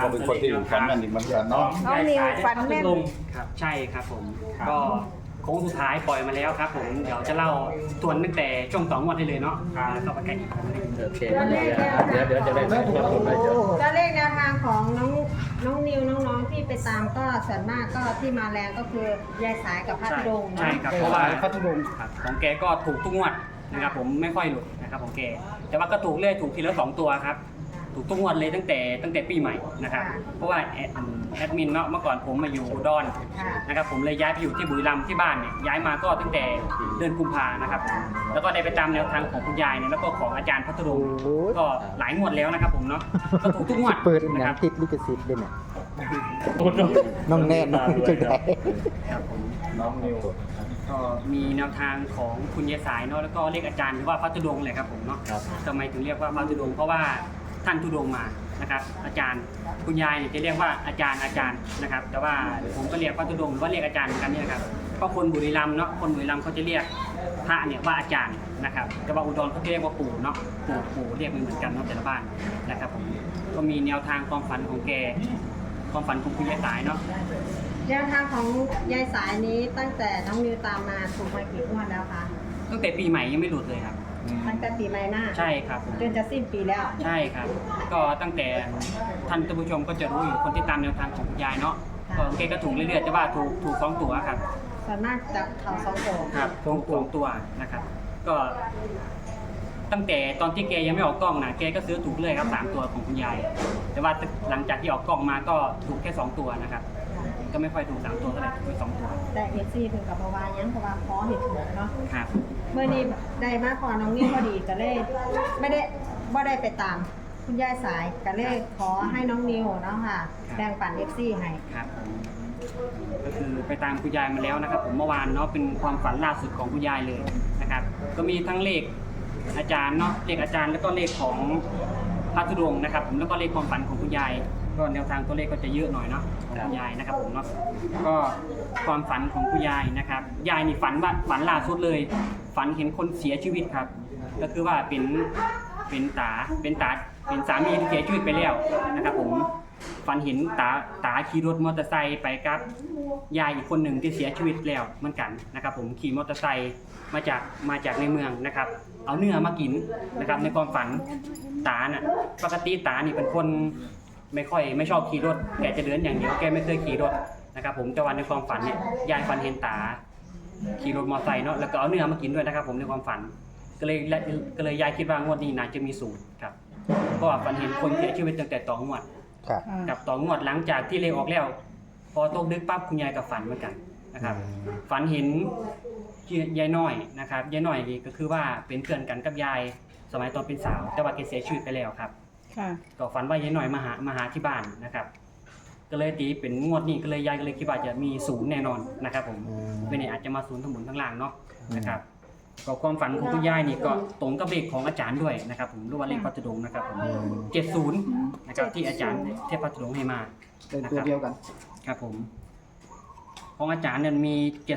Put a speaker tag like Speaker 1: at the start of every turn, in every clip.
Speaker 1: ก็เป็นคนที่ฝันแม่นอีกเหมือนกันเนาะ
Speaker 2: น้องนิวฝันแม่น
Speaker 3: ครับใช่ครับผมก็โค้งสุดท้ายปล่อยมาแล้วครับผมเดี๋ยวจะเล่าทวนตั้งแต่ช่วง2 งวดได้เลยเนาะแล้วก็ไปกันอีกคนหนึง
Speaker 1: โอเคเดี๋ยวจะได้ใช้ตัวตนได้เยอะ
Speaker 2: ตัวเลขแนวทางของน้องนิวน้องๆที่ไปตามก็ส่วนมากก็ที่มาแรงก็คือยายสายกับพัทดง
Speaker 3: ใช่
Speaker 2: เนาะ
Speaker 3: ครับเพราะว่า
Speaker 1: พัทลุง
Speaker 3: ครับของแกก็ถูกทุกงวดนะครับผมไม่ค่อยหลุดนะครับของแกแต่ว่าก็ถูกเรื่อยถูกทีละ2 ตัวครับถูกทุกงวดเลยตั้งแต่ปีใหม่นะครับเพราะว่าแอดมินเนาะเมื่อก่อนผมมาอยู่อุดร
Speaker 2: ค่ะ
Speaker 3: นะครับผมเลยย้ายไปอยู่ที่บุรีรัมย์ที่บ้านเนี่ยย้ายมาก็ตั้งแต่เดือนกุมภานะครับแล้วก็ได้ไปตามแนวทางของคุณยายเนี่ยแล้วก็ของอาจารย์พัทรุงก็หลายงวดแล้วนะครับผมเนาะก็ถูกทุกงวด
Speaker 4: เปิดห
Speaker 3: นะ
Speaker 4: นั
Speaker 3: ค
Speaker 4: ง
Speaker 3: รับ
Speaker 4: ติดลิขสิทธิ์ด้วยเนี่ยน้องแน่น้องจังได
Speaker 3: ครับผม
Speaker 1: น้องนิว
Speaker 3: ก็มีแนวทางของคุณยายสายเนาะแล้วก็เรียกอาจารย์หรือว่าพัทรุงเลยครับผมเนาะทำไมถึงเรียกว่าพัทรุงเพราะว่าท่านทุดงมานะครับอาจารย์คุณยายเนี่ยจะเรียกว่าอาจารย์นะครับแต่ว่าผมก็เรียกพัทรุงหรือว่าเรียกอาจารย์เหมือนกันนี่นะครับเพราะคนบุรีรัมย์เนาะคนบุรีรัมย์เขาจะเรียกพระเนี่ยว่าอาจารย์นะครับแต่ว่าอุดรเขาจะเรียกว่าปู่เนาะปู่เรียกไม่เหมือนกันเนาะแต่ละบ้านนะครับผมก็มีแนวทางความฝันของแกความฝันของคุณยายสายเนาะ
Speaker 2: แนวทางของยายสายนี้ตั้งแต่น้องนิวตามมาถูกมากี่งวดแล้วคะ
Speaker 3: ตั้งแต่ปีใหม่ยังไม่หลุดเลยครับ
Speaker 2: ตั้งแต่ปีใหม่หน้า
Speaker 3: ใช่ครับ
Speaker 2: จนจะสิ้นปีแล้ว
Speaker 3: ใช่ครับ ก็ตั้งแต่ท่านผู้ชมก็จะรู้อยู่คนที่ตามแนวทางของคุณยายเนาะก็แกก็ถูกเรื่อยๆแต่ว่าถูก2 ตัวครับ
Speaker 2: ส่วนมากจะเข่าสองโถ
Speaker 3: ครับถูก2 ตัวนะครับ ก็ ตั้งแต่ตอนที่แกยังไม่ออกกล้องนะแกก็ซื้อถูกเลยครับ3 ตัวของคุณยาย แต่ว่าหลังจากที่ออกกล้องมาก็ถูกแค่2 ตัวนะครับ ก็ไม่ค่อยถูก3 ตัวเท่าไหร่ถูก2 ตัว
Speaker 2: แต่เอฟซีถึงกับประวายังเพราะว่าขอเห็นถูกเนาะ
Speaker 3: ครับ
Speaker 2: เมื่อนี้ได้มาพอน้องนิวพอดีก็เลยไม่ได้ไปตามคุณยายสายก็เลยขอให้น้องนิวเนาะค่ะแบ่งปันเอฟซีให้
Speaker 3: ครับผมก็คือไปตามคุณยายมาแล้วนะครับ ผมเมื่อวานเนาะเป็นความฝันล่าสุดของคุณยายเลยนะครับ ก็มีทั้งเลขอาจารย์เนาะเลขอาจารย์แล้วก็เลขของพระธุดงค์นะครับผมแล้วก็เลขความฝันของคุณยายก็แนวทางตัวเลขก็จะเยอะหน่อยเนาะของคุณยายนะครับผมเนาะก็ความฝันของคุณยายนะครับยายนี่ฝันล่าสุดเลย ฝันเห็นคนเสียชีวิตครับ ก็คือว่าเป็นสามีที่เสียชีวิตไปแล้วนะครับผมฝันเห็นตาขี่รถมอเตอร์ไซค์ไปกับยายอีกคนหนึ่งที่เสียชีวิตแล้วเหมือนกันนะครับผมขี่มอเตอร์ไซค์มาจากในเมืองนะครับเอาเนื้อมากินนะครับในความฝันตาน่ะปกติตานี่เป็นคนไม่ชอบขี่รถแกจะเดินอย่างเดียวแกไม่เคยขี่รถนะครับผมแต่วันในความฝันเนี่ยยายฝันเห็นตาขี่รถมอเตอร์ไซค์เนาะแล้วก็เอาเนื้อมากินด้วยนะครับผมในความฝันก็เลยยายคิดว่างวดนี้น่าจะมีสูตรครับเพราะว่าฝันเห็นคนเสียชีวิตตั้งแต่2 งวด
Speaker 4: ครับ
Speaker 3: กับ2 งวดหลังจากที่เลขออกแล้ว พอตกดึกปั๊บคุณยายกับฝันเหมือนกันนะครับฝันเห็นยายน้อยนะครับยายน้อยนี่ก็คือว่าเป็นเพื่อนกันกับยายสมัยตอนเป็นสาวแต่ว่าแกเสียชีวิตไปแล้วครับ
Speaker 2: ค่ะ
Speaker 3: ก็ฝันว่ายายน้อยมาหาที่บ้านนะครับ ก็เลยตีเป็นงวดนี้ก็เลยยายก็เลยคิดว่าจะมี0แน่นอนนะครับผมไม่แน่อาจจะมา0ทั้งบนทั้งล่างเนาะนะครับก็ความฝันของคุณยายนี่ก็ตรงกับเลขของอาจารย์ด้วยนะครับผมหรือว่าเลขพัทดงนะครับผม70นะครับที่อาจารย์เทพพัทดงให้มา
Speaker 1: เป็นตัวเดียวกัน
Speaker 3: ครับผมของอาจารย์เนี่ยมี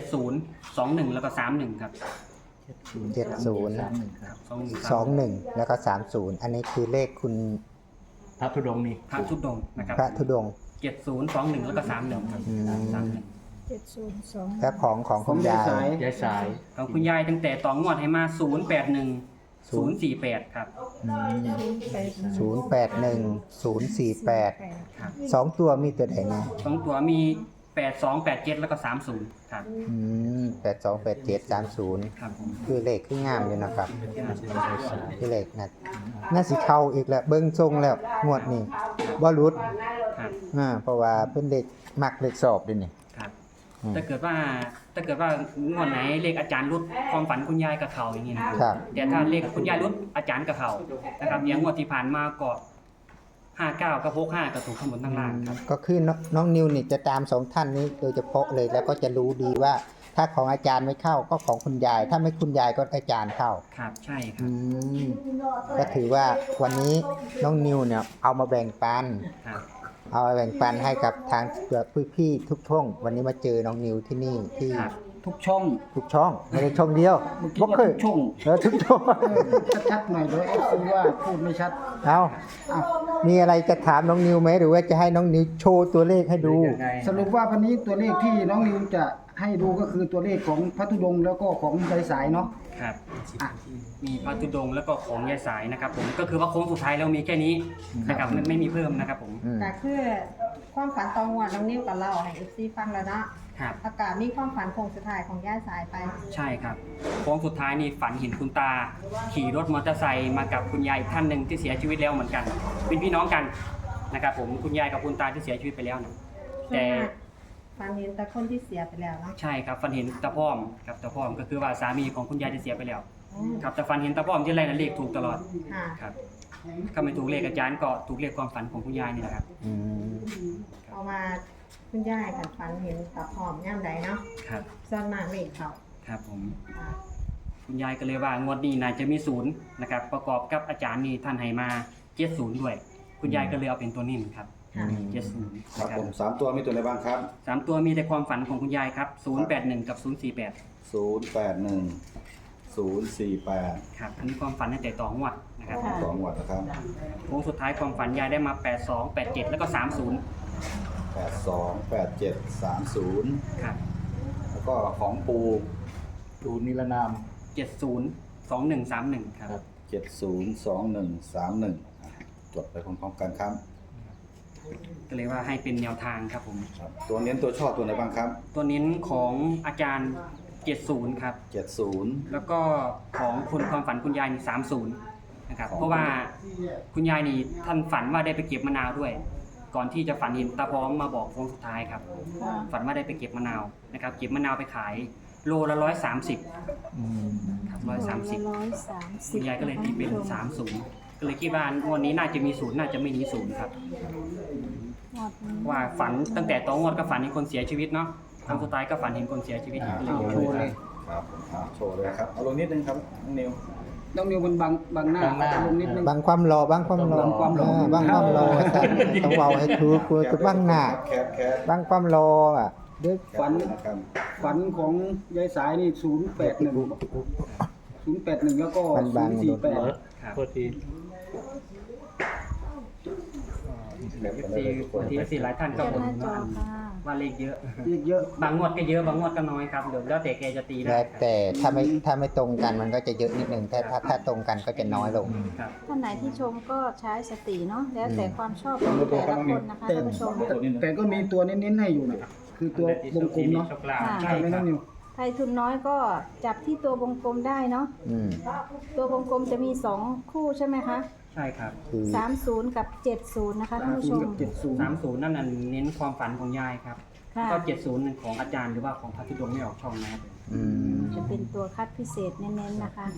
Speaker 3: 70 21แล้วก็31ครับ
Speaker 4: 70
Speaker 3: 21
Speaker 4: 21แล้วก็30อันนี้คือเลขคุณ
Speaker 1: พระธุดงค์นี่
Speaker 3: พระชุดดงนะครับ
Speaker 4: พระธุดงค์
Speaker 3: 70 21แล้วก็31ครับ31
Speaker 4: และของคุณยาย
Speaker 1: ยายสาย
Speaker 3: ของคุณยายตั้งแต่ต่องวดให้มา081 048ครับ
Speaker 4: 081048
Speaker 3: ครับ
Speaker 4: 2 ตัวมีตัวไหนนะ
Speaker 3: 2 ตัวมี82 87แล้วก็30ครับ
Speaker 4: 8287 30
Speaker 3: ครับผม
Speaker 4: คือเลขคืองามอยู่นะครับคือเลขน่าสิเข้าอีกแล้วเบิ่งทรงแล้วงวดนี้บ่หลุด
Speaker 3: ครับ
Speaker 4: เพราะว่าเป็นเลขมักเลขสอบด้วยนี่
Speaker 3: ครับถ้าเกิดว่างวดไหนเลขอาจารย์รุดความฝันคุณยายกับเขาอย่างนี้นะครับ
Speaker 4: ครับ
Speaker 3: แต่ถ้าเลขคุณยายรุดอาจารย์กับเขานะครับอย่างงวดที่ผ่านมาก็59กับ65ก็ถูกทั้งหมดทั้งล่างครับ
Speaker 4: ก็คือน้องนิวนี่จะตาม2ท่านนี้โดยเฉพาะเลยแล้วก็จะรู้ดีว่า ถ้าของอาจารย์ไม่เข้าก็ของคุณยาย ถ้าไม่คุณยายก็อาจารย์เข้า
Speaker 3: ครับใช่ครั
Speaker 4: อื
Speaker 3: บ
Speaker 4: มก็ถือว่าวันนี้น้องนิวเนี่ยเอามาแบ่งปัน
Speaker 3: ครับ
Speaker 4: เอามาแบ่งปันให้กับทางพี่ๆทุกท่องวันนี้มาเจอน้องนิวที่นี่ที่
Speaker 5: ทุกช่อง
Speaker 4: ทุกช่องไม่ได้ช่องเดียว
Speaker 5: เมื่อกี้
Speaker 4: บ่
Speaker 5: ว่า
Speaker 4: เคย
Speaker 5: ทุกช่อง
Speaker 4: ทุกช่อง
Speaker 5: ชัดๆหน่อยเดี๋ยวเอฟซีว่าพูดไม่ชัด
Speaker 4: เอา
Speaker 5: อ้าว
Speaker 4: มีอะไรจะถามน้องนิวไหมหรือว่าจะให้น้องนิวโชว์ตัวเลขให้ดู
Speaker 1: ยังไง
Speaker 5: สรุปว่าวันนี้ตัวเลขที่น้องนิวจะให้ดูก็คือตัวเลขของพระธุดงค์แล้วก็ของยายสายเนาะ
Speaker 3: ครับ
Speaker 5: อ่ะ
Speaker 3: มีพระธุดงค์แล้วก็ของยายสายนะครับผมก็คือว่าโค้งสุดท้ายแล้วมีแค่นี้นะครับไม่มีเพิ่มนะครับผม
Speaker 2: ก็คือความฝันตองวันน้องนิ้วกับเราให้ FC ฟังแล้วเนาะ
Speaker 3: ครับ
Speaker 2: อากาศมีความฝันโคงสุดท้ายของย่าสายไป
Speaker 3: ใช่ครับโค้งสุดท้ายนี่ฝันเห็นคุณตา ขี่รถมอเตอร์ไซค์มากับคุณยายอีกท่านหนึ่งที่เสียชีวิตแล้วเหมือนกัน เป็นพี่น้องกันนะครับผมคุณยายกับคุณตาที่เสียชีวิตไปแล้วนะแต่
Speaker 2: ฝันเห็นแต่คนที่เสียไปแล้วเนาะ
Speaker 3: ใช่ครับฝันเห็นตาพ่อมครับตาพ่อมก็คือว่าสามีของคุณยายที่เสียไปแล้วครับแต่ฝันเห็นตาพ่อมที่ไรนะเลขถูกตลอด
Speaker 2: ค่ะ
Speaker 3: ครับถ้าไม่ถูกเลขอาจารย์ก็ถูกเลขความฝันของคุณยายนี่แหละครับ
Speaker 2: เอามาคุณย่ายกันฝันเห็นตาพร้อมย่ามใดเนาะ
Speaker 3: ครับ
Speaker 2: ส่วนมากเลขเขา
Speaker 3: ครับผม
Speaker 2: ค่ะ
Speaker 3: คุณยายก็เลยว่างวดนี้น่าจะมีศูนย์นะครับประกอบกับอาจารย์นี่ท่านให้มา70ด้วย คุณยายก็เลยเอาเป็นตัวนิ่มครับ
Speaker 2: ค่ะ
Speaker 3: 70
Speaker 6: ครับ
Speaker 3: นะครั
Speaker 6: ผ
Speaker 3: บ
Speaker 6: มสามตัวมีตัวอะไรบ้างครับ
Speaker 3: สามตัวมีแต่ความฝันของคุณยายครับ081กับ048
Speaker 6: 081 048
Speaker 3: ครับอันนี้ความฝันตั้งแต่ต่องวดนะครับ
Speaker 6: สองหวัดนะครับ
Speaker 3: โค้งสุดท้ายความฝันยายได้มา82 87แล้วก็30
Speaker 6: 82 87 30
Speaker 3: ครับ
Speaker 6: แล้วก็ของปู
Speaker 1: ดูนิรนาม
Speaker 3: 70 2131ครับ
Speaker 6: 702131จดไปพร้อมๆกันครับ
Speaker 3: ก็เลยว่าให้เป็นแนวทางครับผม
Speaker 6: ครับ ตัวเน้นตัวชอบตัวไหนบ้างครับ
Speaker 3: ตัวเน้นของอาจารย์70ครับ
Speaker 6: 70
Speaker 3: แล้วก็ของคนความฝันคุณยายนี่30นะครับ เพราะว่าคุณยายนี่ท่านฝันว่าได้ไปเก็บมะนาวด้วย ก่อนที่จะฝันเห็นตาพร้อมมาบอกโค้งสุดท้ายครับ ฝันว่าได้ไปเก็บมะนาวนะครับ เก็บมะนาวไปขายโลละ130ครับ130คุณยายก็เลยตีเป็น30ก็เลยคิดว่างวดนี้น่าจะมีศูนย์น่าจะไม่มีศูนย์ครับว่าฝันตั้งแต่ตอนงวดก็ฝันเห็นคนเสียชีวิตเนาะครั้งสุดท้ายก็ฝันเห็นคนเสียชีวิตอีกเลย
Speaker 5: โชว์เลย
Speaker 6: ครับโชว์เลยครับ เอาลงนิดนึงครับน้องนิว
Speaker 5: น้องนิวมันบังหน้าลงนิดนึง
Speaker 4: บางความรอบางความรอ
Speaker 5: บังความรอ
Speaker 4: บางความรอต้องเว้าให้ถูกคือบ้างหน้า
Speaker 6: แคป
Speaker 4: บางความรออ่ะเด้อ
Speaker 5: ฝัน
Speaker 6: นะครับ
Speaker 5: ฝันของยายสายนี่081แล้วก็
Speaker 4: มันบางโดน
Speaker 5: 048
Speaker 3: ครับ
Speaker 1: โทษที
Speaker 3: ทีหลายท่านก็บ่นว่าเลขเยอะ
Speaker 5: เยอะ
Speaker 3: บางงวดก็เยอะบางงวดก็น้อยครับเดี๋ยวแล้วแต่แกจะตีได้
Speaker 4: แล้วแต่ถ้าไม่ตรงกันมันก็จะเยอะนิดนึงถ้าตรงกันก็จะน้อยลง
Speaker 3: ครับ
Speaker 7: ท่านไหนที่ชมก็ใช้สติเนาะแล้วแต่ความชอบของแต่ละคนนะคะ
Speaker 5: แต่
Speaker 7: ท่านผู้ชม
Speaker 5: แต่ก็มีตัวเน้นๆให้อยู่นะคือตัววงกลมเนาะ
Speaker 7: ค่ะ
Speaker 5: ใช่ไหมน้องนิว
Speaker 7: ใครทุนน้อยก็จับที่ตัววงกลมได้เนาะ ตัววงกลมจะมี 2 คู่ใช่ไหมคะ
Speaker 3: ใช่ครับ
Speaker 4: คือ
Speaker 7: 30 กับ 70 นะคะท่านผู้ชม
Speaker 5: กับ70
Speaker 3: 30นั่นน่ะเน้นความฝันของยายครับ
Speaker 7: ค่ะ
Speaker 3: ก็70ของอาจารย์หรือว่าของพระธุดงค์ไม่ออกช่องนะครับ
Speaker 7: จะเป็นตัวคัดพิเศษเน้นๆนะคะ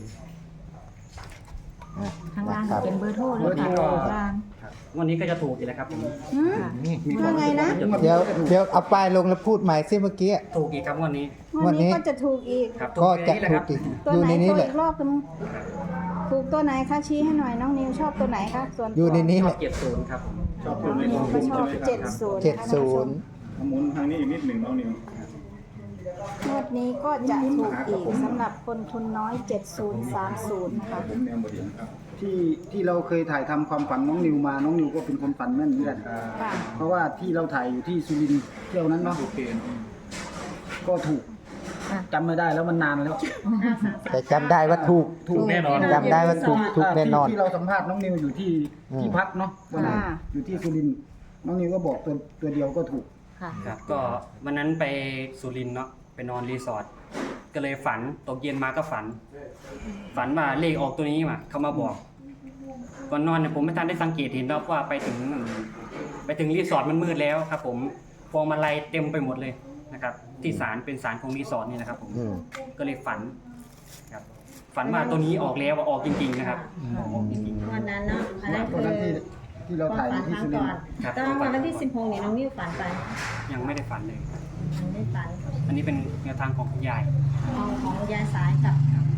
Speaker 8: ข้างล่าง
Speaker 4: ครับ
Speaker 8: เป็นเบอร์โทรเลยค่ะ
Speaker 3: เบอร์โทร
Speaker 8: ข้างล่าง
Speaker 3: ครับวันนี้ก็จะถูกอีกแล้วครับผม
Speaker 7: ว่าไงนะ
Speaker 4: เดี๋ยวเอาป้ายลงแล้วพูดใหม่สิเมื่อกี้
Speaker 3: ถูกอีกครับวันนี้
Speaker 7: วันนี้ก็จะถูกอีก
Speaker 3: ครับ
Speaker 4: ก็จะ
Speaker 3: ถู
Speaker 4: ถู
Speaker 3: ก
Speaker 4: ก
Speaker 3: อี
Speaker 4: อี
Speaker 3: ก
Speaker 4: ก
Speaker 7: ตัว
Speaker 4: อยู่
Speaker 7: ไหน
Speaker 4: ในนี้
Speaker 7: โชว์
Speaker 4: แหละ
Speaker 7: อีกรอบนึงถูกตัวไหนคะชี้ให้หน่อยน้องนิวชอบตัวไหนคะส่วนตัว
Speaker 4: อยู่ในนี้
Speaker 3: ช
Speaker 4: แห
Speaker 3: อบ
Speaker 4: ละ
Speaker 3: 70ครับผม
Speaker 7: น้องนิวก็ชอบ70
Speaker 4: 70
Speaker 6: หมุนทางนี้อีกนิดหนึ่งน้องนิว
Speaker 7: งวดนี้ก็จะถูกอีกสำหรับคนทุนน้อย 7030 นะคะ
Speaker 6: ผมแนวบดีครับ
Speaker 5: ที่เราเคยถ่ายทำความฝันน้องนิวมาน้องนิวก็เป็นคนฝันแม่นเหมือนกัน
Speaker 7: ค่ะ
Speaker 5: เพราะว่าที่เราถ่ายอยู่ที่สุรินทร์เที่ยวนั้นเนาะก็ถูกจำไม่ได้แล้วมันนานแล้ว
Speaker 4: แต่จำได้ว่าถูก
Speaker 3: ถูกแน่นอน
Speaker 4: จำได้ว่าถูกแน่นอน
Speaker 5: ที่เราสัมภาษณ์น้องนิวอยู่ที่พักเนาะวันนั้น
Speaker 7: ค่ะ
Speaker 5: อยู่ที่สุรินทร์น้องนิวก็บอกตัวเดียวก็ถูก
Speaker 7: ค่ะ
Speaker 3: ครับก็วันนั้นไปสุรินทร์เนาะไปนอนรีสอร์ทก็เลยฝันตกเย็นมาก็ฝันว่าเลขออกตัวนี้มาเขามาบอกก่อนนอนเนี่ยผมไม่ทันได้สังเกตเห็นแล้วว่าไปถึงรีสอร์ทมันมืดแล้วครับ ผมพวงมาลัยเต็มไปหมดเลยนะครับ ที่ศาลเป็นศาลของรีสอร์ทนี่นะครับผม ก็เลยฝันครับฝันว่าตัวนี้ออกแล้วว่าออกจริงๆนะครับออกจริง
Speaker 2: วันนั้นเนาะอันนั้น
Speaker 5: วัน
Speaker 2: คือ
Speaker 5: นั้นที่เรา
Speaker 2: ความ
Speaker 5: ถ่ายอ
Speaker 2: ฝัน
Speaker 5: ยู่ที่
Speaker 2: ครั้ง
Speaker 5: สุริ
Speaker 2: ก่อน น
Speaker 5: ทร์
Speaker 3: ครับ
Speaker 2: แต่ว่าวันที่16นี่น้องนิ้วฝันไป
Speaker 3: ๆยังไม่ได้ฝันเลย
Speaker 2: ยังไม่ฝัน
Speaker 3: อันนี้เป็นแนวทางของคุณยาย
Speaker 2: ของยายสายกับพ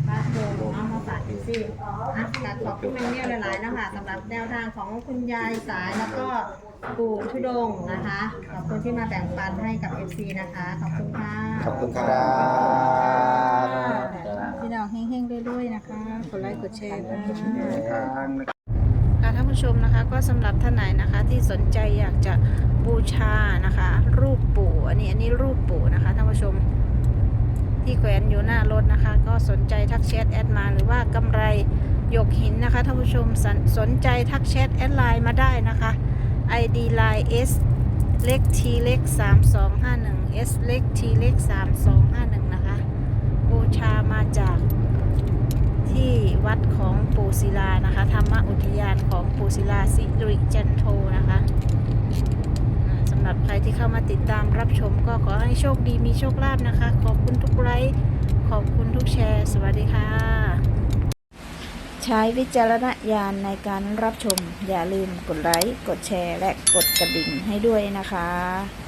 Speaker 2: พระโดงเอามาฝากพี่ซี่ขอบคุณแม่เนี่ยหลายๆนะคะสำหรับแนวทางของคุณยายสายแล้วก็ปู่ทุดงค์นะคะขอบคุณที่มาแบ่งปันให้กับ FC นะคะขอบคุณค่ะ
Speaker 4: ขอบคุณครับ
Speaker 7: พี่น้องเฮงๆด้วยๆนะคะกดไลค์กดแชร์ค่ะ
Speaker 5: ทาง
Speaker 7: ค่ะท่านผู้ชมนะคะก็สำหรับท่านไหนนะคะที่สนใจอยากจะบูชานะคะ รูปปู่อันนี้รูปปู่นะคะท่านผู้ชมที่แขวนอยู่หน้ารถนะคะ ก็สนใจทักแชทแอดมาหรือว่ากำไรหยกหินนะคะท่านผู้ชมสนใจทักแชทแอดไลน์มาได้นะคะ ID line S เล็ก T เล็ก3251 S เล็ก T เล็ก3251นะคะบูชามาจากที่วัดของปู่ศิลานะคะธรรมอุทยานของปู่ศิลาสิริจันโทนะคะสำหรับใครที่เข้ามาติดตามรับชมก็ขอให้โชคดีมีโชคลาภนะคะขอบคุณทุกไลค์ขอบคุณทุกแชร์สวัสดีค่ะใช้วิจารณญาณในการรับชมอย่าลืมกดไลค์กดแชร์และกดกระดิ่งให้ด้วยนะคะ